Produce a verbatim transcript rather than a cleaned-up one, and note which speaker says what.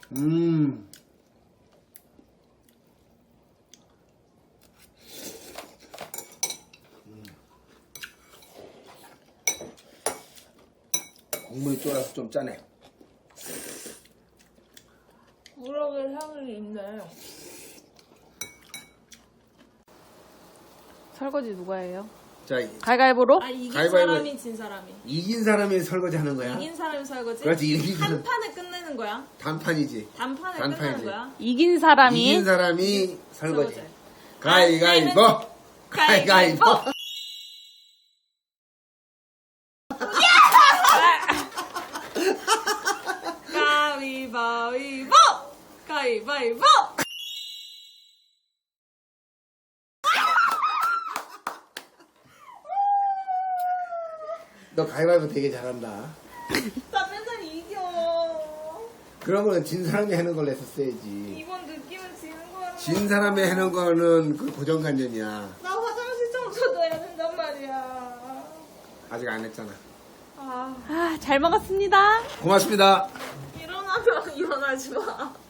Speaker 1: 음. 국물이 쫄아서 좀 짜네.
Speaker 2: 우럭의 향이 있네.
Speaker 3: 설거지 누가 해요?
Speaker 1: 자,
Speaker 3: 가위가위보로?
Speaker 2: 아 이긴
Speaker 1: 가위바위보.
Speaker 2: 사람이 진 사람이.
Speaker 1: 이긴 사람이 설거지 하는 거야?
Speaker 2: 이긴 사람이 설거지.
Speaker 1: 그렇지, 이긴
Speaker 2: 한
Speaker 1: 사람.
Speaker 2: 판에 끝내는 거야.
Speaker 1: 단판이지.
Speaker 2: 단판에
Speaker 1: 단판이지.
Speaker 2: 끝내는 거야.
Speaker 3: 이긴 사람이
Speaker 1: 이긴 사람이 설거지.
Speaker 2: 설거지.
Speaker 1: 가위가위보. 가위가위보.
Speaker 2: 가위바위보. 가위바위보.
Speaker 1: 너 가위바위보 되게 잘한다.
Speaker 2: 나 맨날 이겨.
Speaker 1: 그런 거는 진 사람이 하는 걸로 했었어야지.
Speaker 2: 이번 느낌은 지는 거야.
Speaker 1: 진 사람이 하는 거는 그 고정관념이야.
Speaker 2: 나 화장실 청소도 해야 된단 말이야.
Speaker 1: 아직 안 했잖아.
Speaker 2: 아
Speaker 3: 아, 잘 먹었습니다.
Speaker 1: 고맙습니다.
Speaker 2: 일어나면 일어나지 마.